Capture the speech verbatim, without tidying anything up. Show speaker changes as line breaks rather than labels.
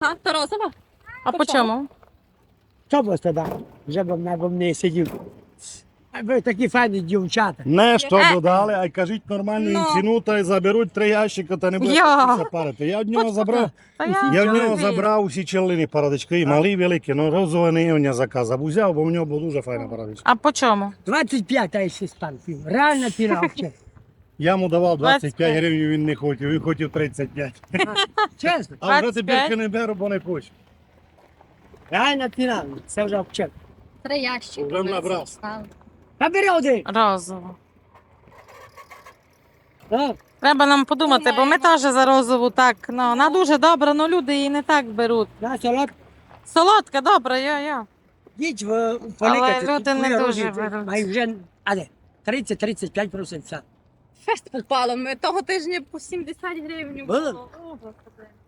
розова? То розова?
А по чому?
Що б тоді? Вже б на не сидів. А ви такі файні дівчата.
Не що
Е.
додали, а й кажіть нормальну їм
Ну.
ціну, та й заберуть три ящика, та не буде
Я.
такися парити. Я в нього забрав.
Та
Я в нього
розумію.
забрав усі челини парадички, і малі, і великі, ну розове не я заказав. Узяв, бо в нього була дуже файна парадичка.
А по чому?
двадцять п'ять, а ще стан пів. Реально піна взагалі.
Я йому давав двадцять
двадцять
п'ять
п'ять.
гривень, він не хотів, він хотів тридцять п'ять.
Чесно.
А вже
двадцять п'ять?
тепер не беру, бо не хочу.
Реально піна. Це вже взагалі.
Три ящики.
Вже набрав.
Та бери один.
Розово.
А?
Треба нам подумати, бо ми теж за розову так. Ну, вона дуже добра, але люди її не так беруть.
На салат.
Солодка, добра, я-я.
Їдь в у полікати.
люди
тут
не
твої
дуже
родичі,
беруть.
а й вже, а де? тридцять тридцять п'ять відсотків.
Фест попало. Ми того тижня по сімдесят гривень
Було?
було. О, Господи.